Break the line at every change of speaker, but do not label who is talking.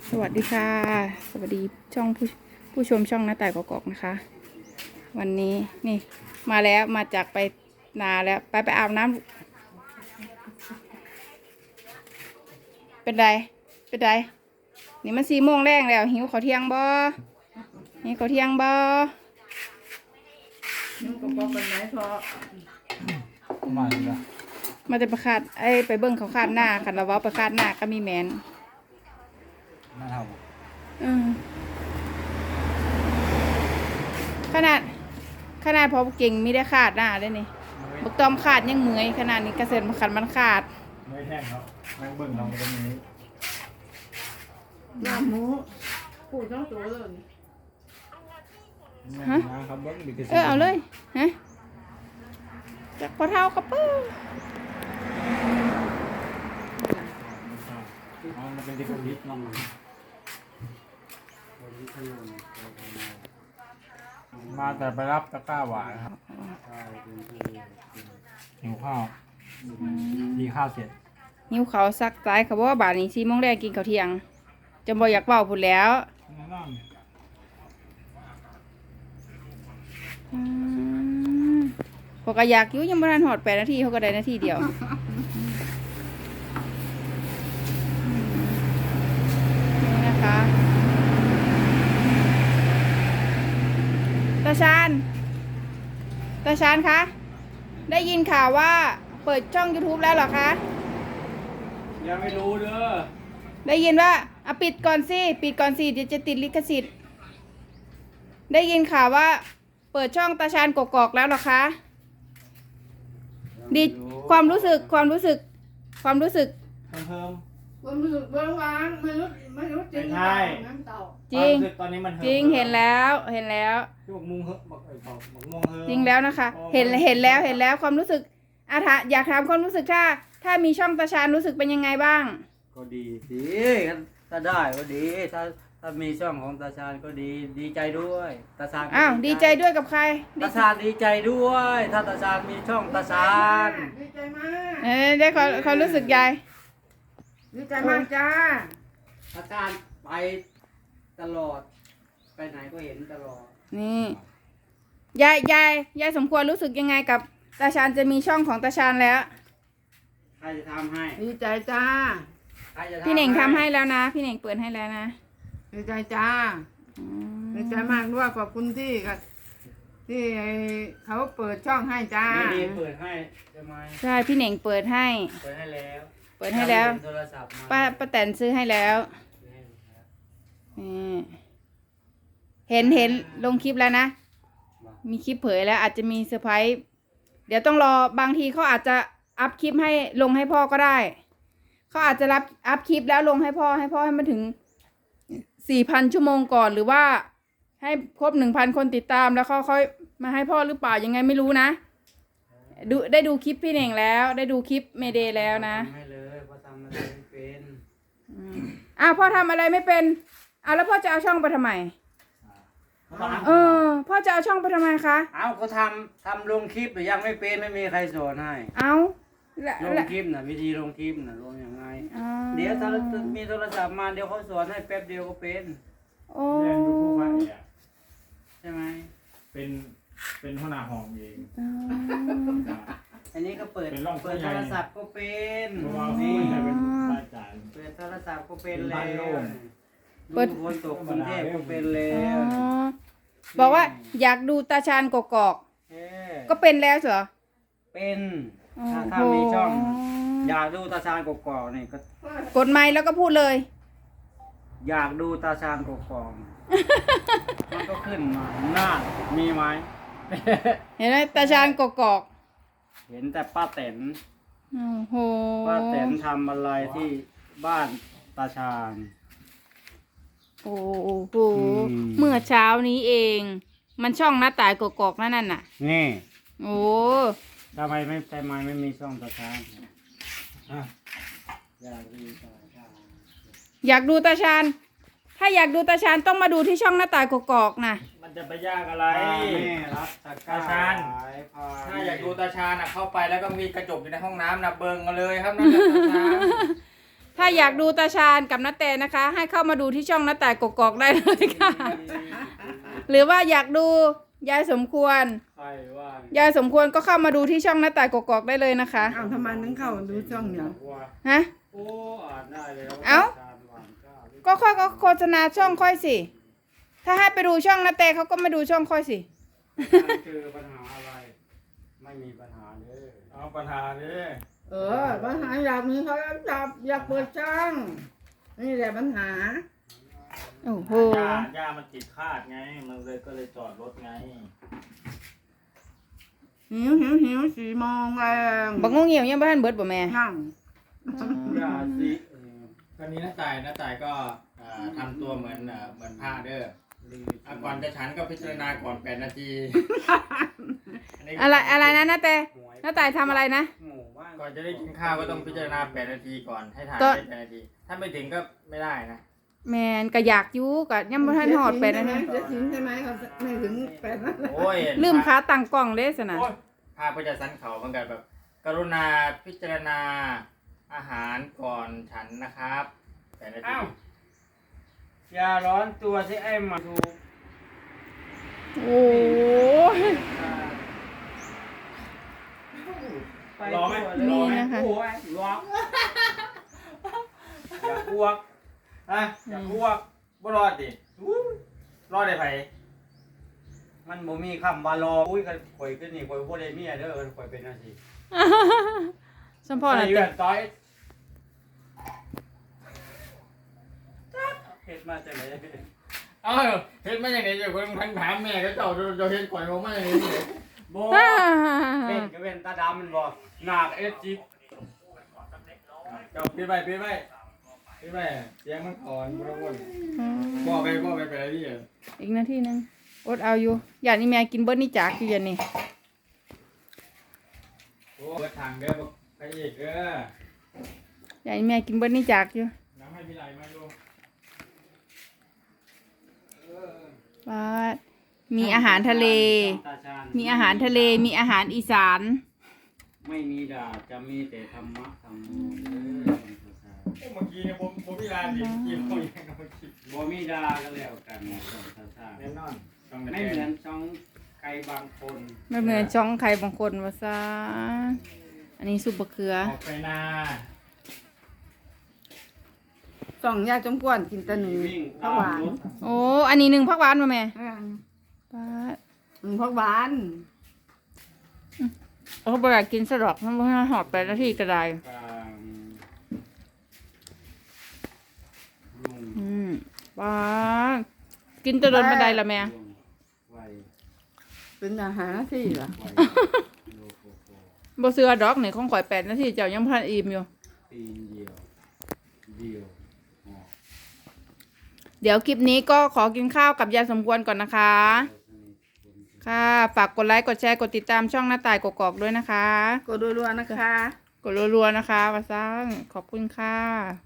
สวัสดีค่ะสวัสดีช่องผู้ชมช่องหน้าต่ายกอกๆนะคะ วันนี้นี่มาแล้วมาจากไปนาแล้วไปอาบน้ำเป็นไรนี่มัน4 โมงแรงแล้วหิวข้าวเที่ยงบ่หิวข้าวเที่ยงบ่
นุ่งกระเป๋าเป็นไหนพอ
มาแล้ว
มาจะไปคาดไปเบิ้งเขาคาดหน้าคันเราเว้าไปคาดหน้าก็มีแมน
มาท
ขนาดพอเก่งมีได้ขาดหน้าเลยนี่บักตอมขาดยังเหมื่อยขนาดนี้กระเซ็นมันขันมันขาด
ไม่แห้งครับนั่งเบิ่งเราตรงนี้
ลาบหมูปูต้องตัวเลย
ครับเบิ่งดิ
เอาเลยฮะจากพอเท้ากระปื้อ
มันเป็นที่คนฮิตเนาะมาแต่ไปรับตะกร้าหวานครับหิวข้าวดีข้าวเสร็จ
หิวเขาซักใจเขาบอกว่าบาทนี้4 โมงแรกกินข้าวเที่ยงจะบ่อยากเว้าพุ่นแล้วพอก็อยากอยู่ยังบ่ทันหอด8 นาทีเขาก็ได้นาทีเดียวนี่นะคะตาชานคะได้ยินข่าวว่าเปิดช่อง YouTube แล้วเหรอคะ
ยังไม่รู้เด้อ
ได้ยินว่าปิดก่อนสิเดี๋ยวจะติดลิขสิทธิ์ได้ยินข่าวว่าเปิดช่องตาชานกกอกแล้วเหรอคะดีความรู้สึก
เพิ่ม
ความรู้สึกเบื้องล่างไม่รู้จริงน้ำเต่า
จริง
ตอนนี้มัน
จริงเห็นแล้ว
ที่บอกมุงเหอะบอกมงเหอะ
จริงแล้วนะคะเห็นแล้วความรู้สึกอยากถามความรู้สึกถ้ามีช่องตาชานรู้สึกเป็นยังไงบ้าง
ก็ดีสิถ้าได้ก็ดีถ้ามีช่องของตาชาญก็ดีใจด้วยตาชาญ
ดีใจด้วยกับใคร
ตาชาญดีใจด้วยถ้าตาชาญมีช่องตาชาญ
ดีใจมาก
ได้ความรู้สึกยาย
ดีใจมากจ้า
ตาชาญไปตลอดไปไหนก็เห็นตลอด
นี่ยายสมควรรู้สึกยังไงกับตาชาญจะมีช่องของตาชาญแล้ว
ใครจะทำให้
ดีใจจ้า
พี่เน่งทำให้แล้วนะพี่เน่งเปิดให้แล้วนะ
ดีใจจ้าดีใจมากด้วยขอบคุณที่เขาเปิดช่องให้จ้า
ดีเปิดให้ใช่ไหม
ใช่พี่เน่งเปิดให้แล้ว
โทรศัพท์
ป้าแตนซื้อให้แล้วเห็นลงคลิปแล้วนะมีคลิปเผยแล้วอาจจะมีเซอร์ไพรส์เดี๋ยวต้องรอบางทีเขาอาจจะอัพคลิปให้ลงให้พ่อก็ได้เขาอาจจะอัพคลิปแล้วลงให้พ่อให้มันถึง4,000 ชั่วโมงก่อนหรือว่าให้ครบ 1,000 คนติดตามแล้วเขาค่อยมาให้พ่อหรือเปล่ายังไงไม่รู้นะได้ดูคลิปพี่เน่งแล้วได้ดูคลิปเมเดย์แล้วนะ
ให้เลยพ่อทำอะไรไม่เป็น
พ่อทำอะไรไม่เป็นแล้วพ่อจะเอาช่องไปทำไมพ่อจะเอาช่องไปทำไมคะ
ก็ทำลงคลิปแต่ยังไม่เป็นไม่มีใครสอนให้ลงคลิปน่ะวิธีลงคลิปน่ะลงยังไงเดี๋ยวถ้ามีโทรศัพท์มาเดี๋ยวเขาสอนให้แป๊บเดียวก็เป็น
เรียนอยู่ผู้ว่า
ใช่ไหม
เป็นหัวหน้าห้องเอง
อันนี้ก็เปิดโทรศัพท์ก็เป็น
นี่
เปิดโทรศัพท์ก็เป็นแล้วเปิดคนตกกรุงเทพก็เป็นแล้ว
บอกว่าอยากดูตาชานกกอกก็เป็นแล้วเหรอ
เป็นถ้ามีช่องอยากดูตาชานกกอกนี่ก็
กดไมค์แล้วก็พูดเลย
อยากดูตาชานกกอกมันก็ขึ้นมาหน้ามีไหม
เห็นไหมตาชานกกอก
เห็นแต่ป้าแตนป้าแตนทำอะไรที่บ้านตาชาน
โอ้โหเมื่อเช้านี้เองมันช่องหน้าต่ายกกอกนั่นน่ะ
นี่
โอ้
ทำไมไม่มีช่องตาชาน
อยากดูตาชานถ้าอยากดูตาชานต้องมาดูที่ช่องหน้าต่ายกกอกนะ
มันจะไปยากอะไรตาชานถ้าอยากดูตาชานเข้าไปแล้วก็มีกระจกอยู่ในห้องน้ำนะเบิ่งกันเลยครับนั่นตาชาน
ถ้าอยากดูตาชาญกับน้าแต่นะคะ ให้เข้ามาดูที่ช่องน้าแต่กกอกได้เลยค่ะ หรือว่าอยากดูยายสมควร
ใครว่าย
ายสมควรก็เข้ามาดูที่ช่องน้าแต่กกอกได้เลยนะคะ
อ้าวทำไมถึงเข้าดูช่องเนี่ย
ว่า
ฮะ
โอ้อ่านได้แล้ว
เอ้า
ชญหวานข้าว
ก็ค่อยก็โฆษณาช่องค่อยสิ ถ้าให้ไปดูช่องน้าแต่เขาก็มาดูช่องค่อยสิ
เจอปัญหาอะไร ไม่มีปัญหาเลย
เอาปัญหาดิ
ปัญหาอยากมีโทรศัพท์อยากเปิดช่องนี่แหละปัญหา
โอ้โห
ย่ามันติดคาดไง มันเลยก็เลยจอดรถไง
หิว4 โมงแรง
บักงงเหี่ยวยังบ้านเบิดบ่แม่
นั่ง
อย่าสิ
ตอนนี้น้าต่ายก็ทำตัวเหมือนพระเด้อก่อนจะฉันก็พิจารณาก่อน8 นาที
อะไรนะน้าแต่น้าแต่ทำอะไรนะ
หมู่บ้าน
ก่อนจะได้กินข้าวก็ต้องพิจารณา8 นาทีก่อนให้ถ่าย
ก็
ได้8 นาที ถ้าไม่ถึงก็ไม่ได้นะ
แมนก็อยากอยู่ก็ยังบ่ทันฮอดไปนะ
ใช่
เนี่ย
เสียสินใช่ไหมเขาไม่ถึง8 นาที
โอ้ย
ลืมขาตั้งกล้องเด้สนะ
โอ้ยพาไปจัดสรรเขาเหมือนกันแบบ กรุณาพิจารณาอาหารก่อนฉันนะครับ8 นาที
อ้าวอย่าร้อนตัวสิไอ้หมาดู
โอ้ย
ไป
รอไหม
ตัว
รอไหม
นี่นะคะ
โอ้ยร้อนอย่าอ้วก
อย่าพวกบ่รอดดิรอดได้ไผ
มันบ่มีคำว่ารออุ้ยกันข่อยขึ้นนี่ข่อยบ่ได้เมียเด้อข่อยเป็นจังซี่
สมพ่อน่ะ
ใส่
แต่
แว่นต้อยเฮ็ดมาจังได๋
เอ้าเฮ็ดมาอย่างไรเจ้าคนทั้งถามแม่ก็เจ้าเฮ็ดข่อยมาอย่างนี้เลย
บ่เป็นก็เป็นตาดำมันบ่หนักเอสจิ
เจ้าปิดไว้เสียงมันอ่อนบ่ต้องวนบ่ไปไปอะไรดิ
อีกนาทีนึงอดเอาอยู่อยากนี่แม่กินเบิดนี่จากอยู่ยันนี่
โอ้เบิดทางเด้อไปอีกเด้อ
อยากนี่แม่กินเบิดนี่จากอยู่
น้ำให้พี่ไหลมาดู
ว่ามีอาหารทะเล
ตาชาญ
มีอาหารทะเลมีอาหารอีสาน
ไม่มีด่าจะมีแต่ธรรมะธรรมโมเด้อ
เมื่อกี้เนี่ยผมพี่ลาดิกินเขาอย่างเมื่อกี้
บ่มีด่าก็แล้วกันตาชาญ
แน่นอนต้อง
ไม่เหมือนช่องใครบางคน
ไม่เหมือนช่องใครบางคนว่าซะอันนี้ซุปบะเขือ
ออกไปนา
ส่องยาจมกวนกินแตะหนึ่ง
วิ่ง
ผักหวาน
โอ้อันนี้1ผักหวานมาแม่ป้าด
ผักหวาน
เขาบอกอยากกินสะดอกมันบ่ให้หอดไปนาทีก็ได้
กลางลุง
ป้าดกินแตะโดนบันไดละแม่
ไว
เป็นอาหารที่ล่ะ
ไวโลโกโก
บ่เสือดอกนี่ของข่อย8 นาทีเจ้ายังบ่ทันอิ่มอยู่
ตีนเดียวออก
เดี๋ยวคลิปนี้ก็ขอกินข้าวกับยายสมควรก่อนนะคะ ค่ะ ฝากกดไลค์ กดแชร์ กดติดตามช่องหน้าต่ายกกอกด้วยนะคะ
กดรัวๆนะคะ
กดรัวๆนะคะวาซังขอบคุณค่ะ